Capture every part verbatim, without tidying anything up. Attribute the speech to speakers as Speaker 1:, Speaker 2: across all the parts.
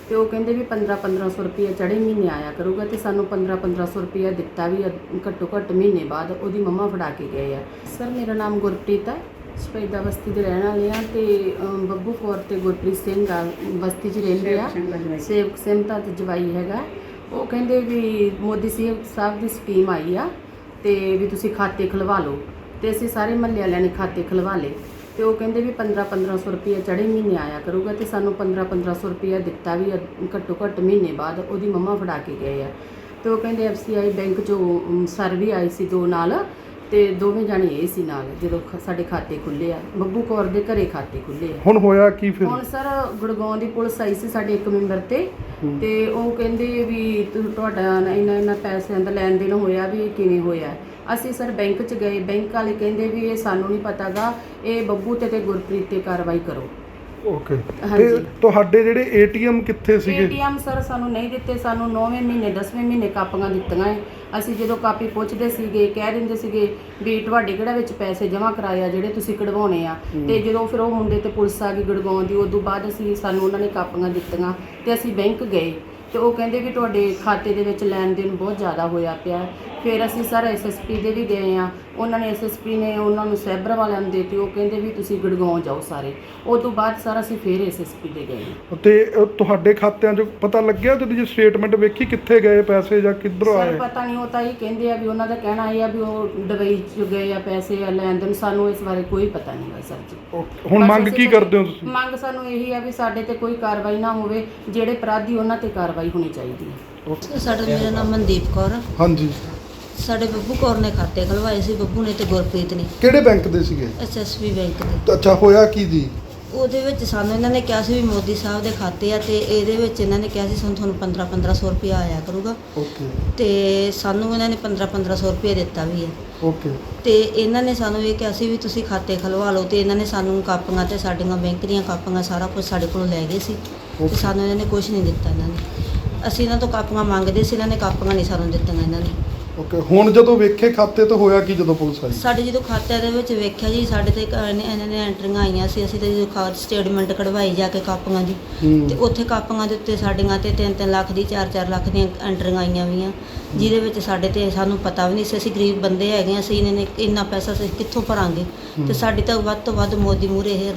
Speaker 1: ਤੇ ਉਹ ਕਹਿੰਦੇ ਵੀ ਪੰਦਰਾਂ ਪੰਦਰਾਂ ਸੌ ਰੁਪਏ ਚੜੇ ਮਹੀਨੇ ਆਇਆ ਕਰੂਗਾ ਤੇ ਸਾਨੂੰ ਪੰਦਰਾਂ ਪੰਦਰਾਂ ਸੌ ਰੁਪਏ ਦਿੱਤਾ ਵੀ ਘੱਟੋ ਘੱਟ ਮਹੀਨੇ ਬਾਅਦ ਉਹਦੀ ਮੰਮਾ ਫੜਾ ਕੇ ਗਏ ਆ। ਸਰ ਮੇਰਾ ਨਾਮ ਗੁਰਪ੍ਰੀਤ ਹੈ, ਸ਼ਪੈਦਾ ਬਸਤੀ ਦੇ ਰਹਿਣ ਵਾਲੇ ਆ ਤੇ ਬੱਬੂ ਕੌਰ ਤੇ ਗੁਰਪ੍ਰੀਤ ਸਿੰਘ ਆ ਬਸਤੀ 'ਚ ਰਹਿੰਦੇ ਆ। ਸੇਵਕ ਸਿੰਘ ਦਾ ਜਵਾਈ ਹੈਗਾ। ਉਹ ਕਹਿੰਦੇ ਵੀ ਮੋਦੀ ਸਾਹਿਬ ਦੀ ਸਕੀਮ ਆਈ ਆ ਤੇ ਵੀ ਤੁਸੀਂ ਖਾਤੇ ਖੁਲਵਾ ਲਓ ਤੇ ਅਸੀਂ ਸਾਰੇ ਮਹੱਲੇ ਵਾਲਿਆਂ ਨੇ ਖਾਤੇ ਖੁਲਵਾ ਲਏ ਤੇ ਉਹ ਕਹਿੰਦੇ ਵੀ ਪੰਦਰਾਂ ਪੰਦਰਾਂ ਸੌ ਰੁਪਏ ਚੜੇ ਮਹੀਨੇ ਆਇਆ ਕਰੂਗਾ ਤੇ ਸਾਨੂੰ ਪੰਦਰਾਂ ਪੰਦਰਾਂ ਸੌ ਰੁਪਏ ਦਿੱਤਾ ਵੀ ਘੱਟੋ ਘੱਟ ਮਹੀਨੇ ਬਾਅਦ ਉਹਦੀ ਮੰਮਾ ਫੜਾ ਕੇ ਗਏ ਆ। ਤੇ ਉਹ ਕਹਿੰਦੇ ਐਫ ਸੀ ਆਈ ਬੈਂਕ 'ਚੋਂ ਸਰ ਵੀ ਆਈ ਸੀ ਦੋ ਨਾਲ ਤੇ ਦੋਵੇਂ ਜਾਣੇ ਇਹ ਸੀ ਨਾਲ ਜਦੋਂ ਸਾਡੇ ਖਾਤੇ ਖੁੱਲੇ ਆ। ਬੱਬੂ ਕੌਰ ਦੇ ਘਰੇ ਖਾਤੇ ਖੁੱਲੇ ਆ।
Speaker 2: ਹੁਣ ਹੋਇਆ ਕੀ ਫਿਰ?
Speaker 1: ਹੁਣ ਸਰ ਗੁੜਗਾਉਂ ਦੀ ਪੁਲਿਸ ਆਈ ਸੀ ਸਾਡੇ ਇੱਕ ਮੈਂਬਰ ਤੇ ਤੇ ਉਹ ਕਹਿੰਦੇ ਵੀ ਤੁਹਾਡਾ ਇੰਨਾ ਇੰਨਾ ਪੈਸਿਆਂ ਦਾ ਲੈਣ ਦੇਣ ਹੋਇਆ ਵੀ ਕਿਵੇਂ ਹੋਇਆ। ਅਸੀਂ ਸਰ ਬੈਂਕ 'ਚ ਗਏ, ਬੈਂਕ ਵਾਲੇ ਕਹਿੰਦੇ ਵੀ ਇਹ ਸਾਨੂੰ ਨਹੀਂ ਪਤਾਗਾ, ਇਹ ਬੱਬੂ ਤੇ ਤੇ ਗੁਰਪ੍ਰੀਤ ਤੇ ਕਾਰਵਾਈ ਕਰੋ।
Speaker 2: ਓਕੇ, ਤੇ ਤੁਹਾਡੇ ਜਿਹੜੇ ਏਟੀਐਮ ਕਿੱਥੇ ਸੀਗੇ?
Speaker 1: ਏਟੀਐਮ ਸਰ ਸਾਨੂੰ ਨਹੀਂ ਦਿੱਤੇ, ਸਾਨੂੰ ਨੌਵੇਂ ਮਹੀਨੇ ਦਸਵੇਂ ਮਹੀਨੇ ਕਾਪੀਆਂ ਦਿੱਤੀਆਂ ਹੈ। ਅਸੀਂ ਜਦੋਂ ਕਾਪੀ ਪੁੱਛਦੇ ਸੀਗੇ ਕਹਿ ਦਿੰਦੇ ਸੀਗੇ ਵੀ ਤੁਹਾਡੇ ਕਿਹੜਾ ਵਿੱਚ ਪੈਸੇ ਜਮ੍ਹਾਂ ਕਰਾਏ ਆ ਜਿਹੜੇ ਤੁਸੀਂ ਕਢਵਾਉਣੇ ਆ। ਤੇ ਜਦੋਂ ਫਿਰ ਉਹ ਮੁੰਡੇ ਤੇ ਪੁਲਿਸ ਆ ਗਈ ਗੁੜਗਾਉਂ ਦੀ, ਉਦੋਂ ਬਾਅਦ ਅਸੀਂ ਸਾਨੂੰ ਉਹਨਾਂ ਨੇ ਕਾਪੀਆਂ ਦਿੱਤੀਆਂ ਤੇ ਅਸੀਂ ਬੈਂਕ ਗਏ ਤੇ ਉਹ ਕਹਿੰਦੇ ਵੀ ਤੁਹਾਡੇ ਖਾਤੇ ਦੇ ਵਿੱਚ ਲੈਣ ਦੇਣ ਬਹੁਤ ਜ਼ਿਆਦਾ ਹੋਇਆ ਪਿਆ। ਫਿਰ ਅਸੀਂ ਸਰ ਐਸ ਐਸ ਪੀ ਦੇ ਵੀ ਗਏ ਆ, ਉਹਨਾਂ ਨੇ ਐਸ ਐਸ ਪੀ ਨੇ ਉਹਨਾਂ ਨੂੰ ਸਾਈਬਰ ਵਾਲਿਆਂ ਨੂੰ ਦੇ ਦਿੱਤੀ। ਉਹ ਕਹਿੰਦੇ ਵੀ ਤੁਸੀਂ ਗੁੜਗਾਉਂ ਜਾਓ ਸਾਰੇ। ਉਹ ਤੋਂ ਬਾਅਦ ਸਰ ਅਸੀਂ ਫਿਰ ਐਸ ਐਸ ਪੀ ਦੇ ਗਏ
Speaker 2: ਤੇ ਤੁਹਾਡੇ ਖਾਤਿਆਂ 'ਚ ਪਤਾ ਲੱਗਿਆ ਜਦੋਂ ਜੀ ਸਟੇਟਮੈਂਟ ਵੇਖੀ ਕਿੱਥੇ ਗਏ ਪੈਸੇ ਜਾਂ ਕਿੱਧਰੋਂ ਆਏ?
Speaker 1: ਸਰ ਪਤਾ ਨਹੀਂ, ਉਹ ਤਾਂ ਇਹ ਕਹਿੰਦੇ ਆ ਵੀ ਉਹਨਾਂ ਦਾ ਕਹਿਣਾ ਇਹ ਆ ਵੀ ਉਹ ਦੁਬਈ 'ਚ ਗਏ ਆ ਪੈਸੇ ਆ ਲੈਣ ਦੇਣ। ਸਾਨੂੰ ਇਸ ਬਾਰੇ ਕੋਈ ਪਤਾ ਨਹੀਂ ਹੈ ਸਰ ਜੀ।
Speaker 2: ਹੁਣ ਮੰਗ ਕੀ ਕਰਦੇ ਹੋ ਤੁਸੀਂ?
Speaker 1: ਮੰਗ ਸਾਨੂੰ ਇਹੀ ਆ ਵੀ ਸਾਡੇ ਤੇ ਕੋਈ ਕਾਰਵਾਈ ਨਾ ਹੋਵੇ, ਜਿਹੜੇ ਅਪਰਾਧੀ ਉਹਨਾਂ ਤੇ ਕਾਰਵਾਈ ਹੋਣੀ ਚਾਹੀਦੀ ਹੈ।
Speaker 3: ਸਾਡਾ ਮੇਰਾ ਨਾਮ ਮਨਦੀਪ ਕੌਰ।
Speaker 2: ਹਾਂਜੀ,
Speaker 3: ਸਾਡੇ ਬੱਬੂ ਕੌਰ ਨੇ ਖਾਤੇ ਖਲਵਾਏ ਸੀ, ਬੱਬੂ ਨੇ ਤੇ ਗੁਰਪ੍ਰੀਤ ਨੇ।
Speaker 2: ਕਿਹੜੇ ਬੈਂਕ ਦੇ ਸੀਗੇ?
Speaker 3: ਐਸ ਐਸ ਪੀ ਬੈਂਕ ਦੇ।
Speaker 2: ਅੱਛਾ, ਹੋਇਆ ਕੀ ਜੀ?
Speaker 3: ਉਹਦੇ ਵਿੱਚ ਸਾਨੂੰ ਇਹਨਾਂ ਨੇ ਕਿਹਾ ਸੀ ਵੀ ਮੋਦੀ ਸਾਹਿਬ ਦੇ ਖਾਤੇ ਆ ਤੇ ਇਹਦੇ ਵਿੱਚ ਇਹਨਾਂ ਨੇ ਕਿਹਾ ਸੀ ਸਾਨੂੰ ਤੁਹਾਨੂੰ ਪੰਦਰਾਂ ਪੰਦਰਾਂ ਸੌ ਰੁਪਇਆ ਆਇਆ ਕਰੂਗਾ।
Speaker 2: ਓਕੇ,
Speaker 3: ਤੇ ਸਾਨੂੰ ਇਹਨਾਂ ਨੇ ਪੰਦਰਾਂ ਪੰਦਰਾਂ ਸੌ ਰੁਪਇਆ ਦਿੱਤਾ ਵੀ ਹੈ।
Speaker 2: ਓਕੇ,
Speaker 3: ਤੇ ਇਹਨਾਂ ਨੇ ਸਾਨੂੰ ਇਹ ਕਿਹਾ ਸੀ ਵੀ ਤੁਸੀਂ ਖਾਤੇ ਖਲਵਾ ਲਓ ਤੇ ਇਹਨਾਂ ਨੇ ਸਾਨੂੰ ਕਾਪੀਆਂ ਤੇ ਸਾਡੀਆਂ ਬੈਂਕ ਦੀਆਂ ਕਾਪੀਆਂ ਸਾਰਾ ਕੁਝ ਸਾਡੇ ਕੋਲੋਂ ਲੈ ਗਏ ਸੀ ਤੇ ਸਾਨੂੰ ਇਹਨਾਂ ਨੇ ਕੁਝ ਨਹੀਂ ਦਿੱਤਾ। ਇਹਨਾਂ ਨੇ ਅਸੀਂ ਇਹਨਾਂ ਤੋਂ ਕਾਪੀਆਂ ਮੰਗਦੇ ਸੀ, ਇਹਨਾਂ ਨੇ ਕਾਪੀਆਂ ਨਹੀਂ ਸਾਨੂੰ ਦਿੱਤੀਆਂ ਇਹਨਾਂ ਨੇ।
Speaker 2: ਓਕੇ, ਹੁਣ ਜਦੋਂ ਵੇਖੇ ਖਾਤੇ ਤਾਂ ਹੋਇਆ ਕੀ ਜਦੋਂ ਪੁਲਿਸ ਆਈ?
Speaker 3: ਸਾਡੇ ਜਦੋਂ ਖਾਤਿਆਂ ਦੇ ਵਿੱਚ ਵੇਖਿਆ ਜੀ ਸਾਡੇ ਤੇ ਇਹਨਾਂ ਨੇ ਐਂਟਰੀਆਂ ਆਈਆਂ ਸੀ। ਅਸੀਂ ਤੇ ਜਦੋਂ ਖਾ ਸਟੇਟਮੈਂਟ ਕਢਵਾਈ ਜਾ ਕੇ ਕਾਪੀਆਂ ਦੀ ਤੇ ਉੱਥੇ ਕਾਪੀਆਂ ਦੇ ਉੱਤੇ ਸਾਡੀਆਂ ਤੇ ਤਿੰਨ ਤਿੰਨ ਲੱਖ ਦੀ ਚਾਰ ਚਾਰ ਲੱਖ ਦੀਆਂ ਐਂਟਰੀਆਂ ਆਈਆਂ ਵੀਆਂ, ਜਿਹਦੇ ਵਿੱਚ ਸਾਡੇ ਤੇ ਸਾਨੂੰ ਪਤਾ ਵੀ ਨਹੀਂ ਸੀ। ਅਸੀਂ ਗਰੀਬ ਬੰਦੇ ਹੈਗੇ, ਅਸੀਂ ਇਹਨਾਂ ਨੇ ਇੰਨਾ ਪੈਸਾ ਅਸੀਂ ਕਿੱਥੋਂ ਭਰਾਂਗੇ। ਤੇ ਸਾਡੀ ਤਾਂ ਵੱਧ ਤੋਂ ਵੱਧ ਮੋਦੀ ਮੂਹਰੇ ਇਹ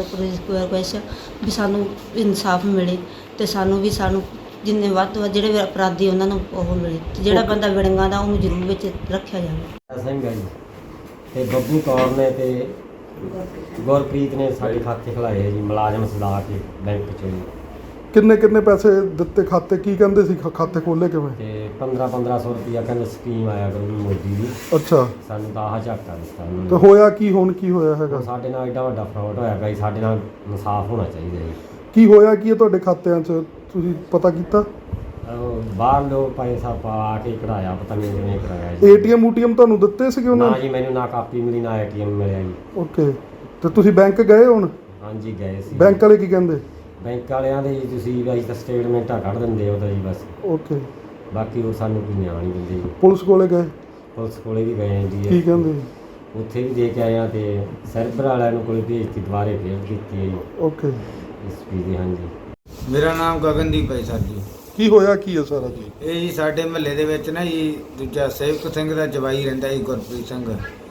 Speaker 3: ਰਿਕੁਐਸਟ ਵੀ ਸਾਨੂੰ ਇਨਸਾਫ ਮਿਲੇ ਤੇ ਸਾਨੂੰ ਵੀ ਸਾਨੂੰ ਜਿੰਨੇ ਵੱਧ ਤੋਂ ਵੱਧ ਜਿਹੜੇ ਅਪਰਾਧੀ ਉਹਨਾਂ ਨੂੰ ਉਹ ਮਿਲੇ ਤੇ ਜਿਹੜਾ ਬੰਦਾ ਵਿੜੰਗਾ ਦਾ ਉਹਨੂੰ ਜ਼ਰੂਰ ਵਿੱਚ ਰੱਖਿਆ ਜਾਵੇ।
Speaker 4: ਸਿੰਘ ਹੈ ਜੀ ਤੇ ਬੱਬੂ ਕੌਰ ਨੇ ਤੇ ਗੁਰਪ੍ਰੀਤ ਨੇ ਸਾਡੇ ਖਾਤੇ ਖੁਲਾਏ ਹੈ ਜੀ, ਮੁਲਾਜ਼ਮ ਸਦਾ ਕੇ ਬੈਂਕ 'ਚੋਂ ਜੀ।
Speaker 2: ਕਿੰਨੇ ਕਿੰਨੇ ਪੈਸੇ ਦਿੱਤੇ ਖਾਤੇ? ਕੀ ਕਹਿੰਦੇ ਸੀ ਖਾਤੇ ਖੋਲੇ ਕਿਵੇਂ?
Speaker 4: ਤੇ ਪੰਦਰਾਂ ਪੰਦਰਾਂ ਸੌ ਰੁਪਇਆ ਕਹਿੰਦੇ ਸਕੀਮ ਆਇਆ ਕਰੂਗੀ ਮੋਦੀ ਦੀ।
Speaker 2: ਅੱਛਾ,
Speaker 4: ਸਾਨੂੰ ਤਾਂ ਆਹ ਝਾਕਾ ਦਿੱਤਾ ਉਹਨਾਂ
Speaker 2: ਤੇ
Speaker 4: ਨੇ।
Speaker 2: ਹੋਇਆ ਕੀ? ਹੁਣ ਕੀ ਹੋਇਆ ਹੈਗਾ?
Speaker 4: ਸਾਡੇ ਨਾਲ ਐਡਾ ਵੱਡਾ ਫਰਾਡ ਹੋਇਆ ਗਾ ਜੀ, ਸਾਡੇ ਨਾਲ ਇਨਸਾਫ ਹੋਣਾ ਚਾਹੀਦਾ ਜੀ।
Speaker 2: ਕੀ ਹੋਇਆ ਕੀ ਹੈ ਤੁਹਾਡੇ ਖਾਤਿਆਂ 'ਚ, ਤੁਸੀਂ ਪਤਾ ਕੀਤਾ?
Speaker 4: ਉਹ ਬਾਹਰ ਲੋਕ ਪੈਸਾ ਪਾ ਕੇ ਕਢਾਇਆ, ਪਤਾ ਨਹੀਂ ਕਿਵੇਂ ਕਰਾਇਆ ਜੀ।
Speaker 2: ਏਟੀਐਮ ਊਟੀਐਮ ਤੁਹਾਨੂੰ ਦਿੱਤੇ ਸੀਗੇ ਉਹਨਾਂ
Speaker 4: ਨਾ
Speaker 2: ਨੇ?
Speaker 4: ਜੀ, ਮੈਨੂੰ ਨਾ ਕਾਪੀ ਮਿਲੀ ਨਾ ਏਟੀਐਮ ਮਿਲਿਆ ਜੀ।
Speaker 2: ਓਕੇ, ਤੇ ਤੁਸੀਂ ਬੈਂਕ ਗਏ ਹੁਣ?
Speaker 4: ਹਾਂਜੀ ਗਏ ਸੀ।
Speaker 2: ਬੈਂਕ ਵਾਲੇ ਕੀ ਕਹਿੰਦੇ?
Speaker 4: ਬੈਂਕ ਵਾਲਿਆਂ ਦੇ ਜੀ ਤੁਸੀਂ ਵੀ ਤਾਂ ਸਟੇਟਮੈਂਟਾਂ ਕੱਢ ਦਿੰਦੇ ਹੋ ਤਾਂ ਜੀ ਬਸ,
Speaker 2: ਓਕੇ,
Speaker 4: ਬਾਕੀ ਉਹ ਸਾਨੂੰ ਕੋਈ ਨਿਆਂ ਨਹੀਂ ਦਿੰਦੇ ਜੀ।
Speaker 2: ਪੁਲਿਸ ਕੋਲੇ ਗਏ?
Speaker 4: ਪੁਲਿਸ ਕੋਲੇ ਵੀ ਗਏ ਜੀ,
Speaker 2: ਕੀ ਕਹਿੰਦੇ?
Speaker 4: ਉੱਥੇ ਵੀ ਦੇ ਕੇ ਆਏ ਆ ਤੇ ਸਰਬਰ ਵਾਲਿਆਂ ਨੂੰ ਕੋਲ ਭੇਜਤੀ, ਦੁਬਾਰੇ ਫੇਰ ਕੀਤੀ ਹੈ ਜੀ
Speaker 2: ਓਕੇ,
Speaker 4: ਇਸ ਪੀ ਦੀ। ਹਾਂਜੀ,
Speaker 5: ਮੇਰਾ ਨਾਮ ਗਗਨਦੀਪ ਹੈ ਸਰ ਜੀ।
Speaker 2: ਕੀ ਹੋਇਆ ਕੀ ਹੈ ਸਾਰਾ ਜੀ?
Speaker 5: ਇਹ ਜੀ ਸਾਡੇ ਮਹੱਲੇ ਦੇ ਵਿੱਚ ਨਾ ਜੀ ਦੂਜਾ ਸੇਵਕ ਸਿੰਘ ਦਾ ਜਵਾਈ ਰਹਿੰਦਾ ਜੀ, ਗੁਰਪ੍ਰੀਤ ਸਿੰਘ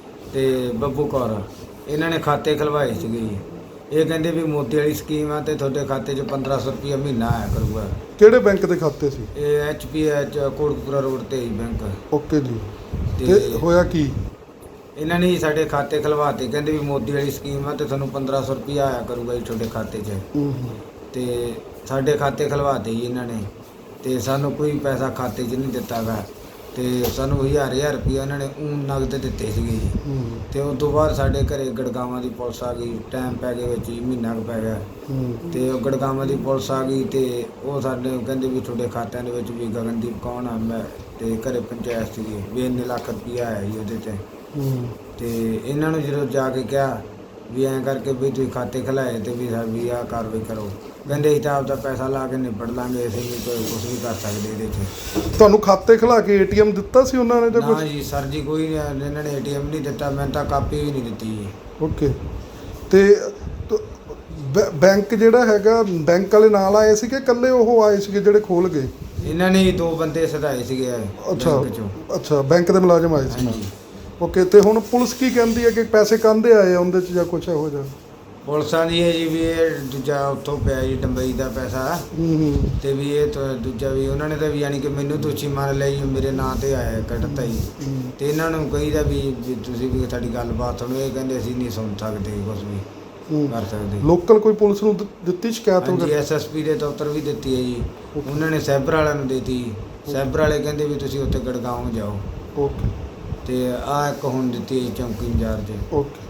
Speaker 5: ਤੇ ਬੱਬੂ ਕੌਰ, ਇਹਨਾਂ ਨੇ ਖਾਤੇ ਖਲਵਾਏ ਸੀਗੇ ਜੀ। ਇਹ ਕਹਿੰਦੇ ਵੀ ਮੋਦੀ ਵਾਲੀ ਸਕੀਮ ਆ ਤੇ ਤੁਹਾਡੇ ਖਾਤੇ 'ਚ ਪੰਦਰਾਂ ਸੌ ਰੁਪਇਆ ਮਹੀਨਾ ਆਇਆ ਕਰੂਗਾ।
Speaker 2: ਕਿਹੜੇ ਬੈਂਕ ਦੇ ਖਾਤੇ ਸੀ?
Speaker 5: ਇਹ H P H Kotkapura road ਤੇ ਹੀ ਬੈਂਕ।
Speaker 2: ਓਕੇ ਜੀ,
Speaker 5: ਤੇ
Speaker 2: ਤੇ ਹੋਇਆ ਕੀ?
Speaker 5: ਇਹਨਾਂ ਨੇ ਸਾਡੇ ਖਾਤੇ ਖਲਵਾਤੇ, ਕਹਿੰਦੇ ਵੀ ਮੋਦੀ ਵਾਲੀ ਸਕੀਮ ਆ ਤੇ ਤੁਹਾਨੂੰ ਪੰਦਰਾਂ ਸੌ ਰੁਪਇਆ ਆਇਆ ਕਰੂਗਾ ਜੀ ਤੁਹਾਡੇ ਖਾਤੇ 'ਚ।
Speaker 2: ਹੂੰ,
Speaker 5: ਤੇ ਸਾਡੇ ਖਾਤੇ ਖਲਵਾਤੇ ਜੀ ਇਹਨਾਂ ਨੇ ਤੇ ਸਾਨੂੰ ਕੋਈ ਪੈਸਾ ਖਾਤੇ 'ਚ ਨਹੀਂ ਦਿੱਤਾ ਗਾ ਤੇ ਸਾਨੂੰ ਹਜ਼ਾਰ ਹਜ਼ਾਰ ਰੁਪਇਆ ਇਹਨਾਂ ਨੇ ਊਂ ਨਗਦ ਦਿੱਤੇ ਸੀਗੇ ਜੀ।
Speaker 2: ਹੂੰ,
Speaker 5: ਤੇ ਉਸ ਤੋਂ ਬਾਅਦ ਸਾਡੇ ਘਰੇ ਗੜਗਾਵਾਂ ਦੀ ਪੁਲਿਸ ਆ ਗਈ, ਟਾਈਮ ਪੈ ਗਿਆ ਵਿੱਚ ਹੀ, ਮਹੀਨਾ ਕੁ ਪੈ ਗਿਆ।
Speaker 2: ਹੂੰ,
Speaker 5: ਤੇ ਉਹ ਗੜਗਾਵਾਂ ਦੀ ਪੁਲਿਸ ਆ ਗਈ ਤੇ ਉਹ ਸਾਡੇ ਕਹਿੰਦੇ ਵੀ ਤੁਹਾਡੇ ਖਾਤਿਆਂ ਦੇ ਵਿੱਚ ਵੀ ਗਗਨਦੀਪ ਕੌਣ ਆ ਮੈਂ ਤੇ ਘਰੇ ਪੰਚਾਇਤ ਸੀਗੀ ਵੀ ਇੰਨੇ ਲੱਖ ਰੁਪਇਆ ਆਇਆ ਜੀ ਉਹਦੇ ਤੇ।
Speaker 2: ਹੂੰ,
Speaker 5: ਤੇ ਇਹਨਾਂ ਨੂੰ ਜਦੋਂ ਜਾ ਕੇ ਕਿਹਾ ਵੀ ਐਂ ਕਰਕੇ ਵੀ ਤੁਸੀਂ ਖਾਤੇ ਖਿਲਾਏ ਤੇ ਵੀ ਵੀ ਆਹ ਕਾਰਵਾਈ ਕਰੋ, ਕਹਿੰਦੇ ਅਸੀਂ ਤਾਂ ਆਪਦਾ ਪੈਸਾ ਲਾ ਕੇ ਨਿਬੜ ਲਾਂਗੇ, ਅਸੀਂ ਵੀ ਕੋਈ ਕੁਛ ਵੀ ਕਰ ਸਕਦੇ ਇਹਦੇ 'ਚ।
Speaker 2: ਤੁਹਾਨੂੰ ਖਾਤੇ ਖਿਲਾ ਕੇ ਏਟੀਐਮ ਦਿੱਤਾ ਸੀ ਉਹਨਾਂ ਨੇ ਜਾਂ
Speaker 5: ਨਾ
Speaker 2: ਕੁਝ?
Speaker 5: ਜੀ ਸਰ ਜੀ, ਕੋਈ ਨਹੀਂ, ਇਹਨਾਂ ਨੇ ਏ ਟੀ ਐਮ ਨਹੀਂ ਦਿੱਤਾ, ਮੈਨੂੰ ਤਾਂ ਕਾਪੀ ਵੀ ਨਹੀਂ ਦਿੱਤੀ ਜੀ।
Speaker 2: ਓਕੇ, ਤੇ ਬੈ- ਬੈਂਕ ਜਿਹੜਾ ਹੈਗਾ, ਬੈਂਕ ਵਾਲੇ ਨਾਲ ਆਏ ਸੀ ਕਿ ਇਕੱਲੇ ਉਹ ਆਏ ਸੀਗੇ ਜਿਹੜੇ ਖੋਲ ਗਏ?
Speaker 5: ਇਹਨਾਂ ਨੇ ਹੀ ਦੋ ਬੰਦੇ ਸਦਾਏ ਸੀਗੇ
Speaker 2: ਅੱਛਾ
Speaker 5: ਬੈਂਕ ਚੋਂ।
Speaker 2: ਅੱਛਾ, ਬੈਂਕ ਦੇ ਮੁਲਾਜ਼ਮ ਆਏ ਸੀ ਨਾਲ।
Speaker 5: ਹਾਂਜੀ।
Speaker 2: ਓਕੇ, ਤੇ ਹੁਣ ਪੁਲਿਸ ਕੀ ਕਹਿੰਦੀ ਹੈ ਕਿ ਪੈਸੇ ਕਾਹਦੇ ਆਏ ਆ ਉਹਦੇ 'ਚ ਜਾਂ ਕੁਛ ਇਹੋ ਜਿਹਾ?
Speaker 5: ਪੁਲਿਸਾਂ ਦੀ ਹੈ ਜੀ ਵੀ ਇਹ ਦੂਜਾ ਉੱਥੋਂ ਪਿਆ ਜੀ ਡੰਬਈ ਦਾ ਪੈਸਾ,
Speaker 2: ਹੂੰ ਹੂੰ
Speaker 5: ਤੇ ਵੀ ਇਹ ਤਾਂ ਦੂਜਾ ਵੀ ਉਹਨਾਂ ਨੇ ਤਾਂ ਵੀ ਯਾਨੀ ਕਿ ਮੈਨੂੰ ਦੋਸ਼ੀ ਮੰਨ ਲਿਆ ਜੀ, ਮੇਰੇ ਨਾਂ ਤੇ ਆਇਆ ਕੱਢਤਾ ਜੀ।
Speaker 2: ਹੂੰ।
Speaker 5: ਤੇ ਇਹਨਾਂ ਨੂੰ ਕਹੀਦਾ ਵੀ ਵੀ ਤੁਸੀਂ ਵੀ ਸਾਡੀ ਗੱਲਬਾਤ ਸੁਣੋ, ਇਹ ਕਹਿੰਦੇ ਅਸੀਂ ਨਹੀਂ ਸੁਣ ਸਕਦੇ ਕੁਛ ਵੀ
Speaker 2: ਹੂੰ।
Speaker 5: ਕਰ ਸਕਦੇ।
Speaker 2: ਲੋਕਲ ਕੋਈ ਪੁਲਿਸ ਨੂੰ ਦਿੱ- ਦਿੱਤੀ ਸ਼ਿਕਾਇਤ
Speaker 5: ਹਾਂਜੀ,
Speaker 2: ਵਗੈਰਾ?
Speaker 5: ਐਸਐਸਪੀ ਦੇ ਦਫ਼ਤਰ ਵੀ ਦਿੱਤੀ ਹੈ ਜੀ, ਉਹਨਾਂ ਨੇ ਸਾਈਬਰ ਵਾਲਿਆਂ ਨੂੰ ਦਿੱਤੀ। ਸਾਈਬਰ ਵਾਲੇ ਕਹਿੰਦੇ ਵੀ ਤੁਸੀਂ ਉੱਥੇ ਗੜਗਾਉਂ ਜਾਓ,
Speaker 2: ਓਕੇ
Speaker 5: ਤੇ ਆਹ ਇੱਕ ਹੁਣ ਦਿੱਤੀ ਹੈ ਜੀ ਚੌਂਕੀ ਇੰਚਾਰਜ।
Speaker 2: ਓਕੇ।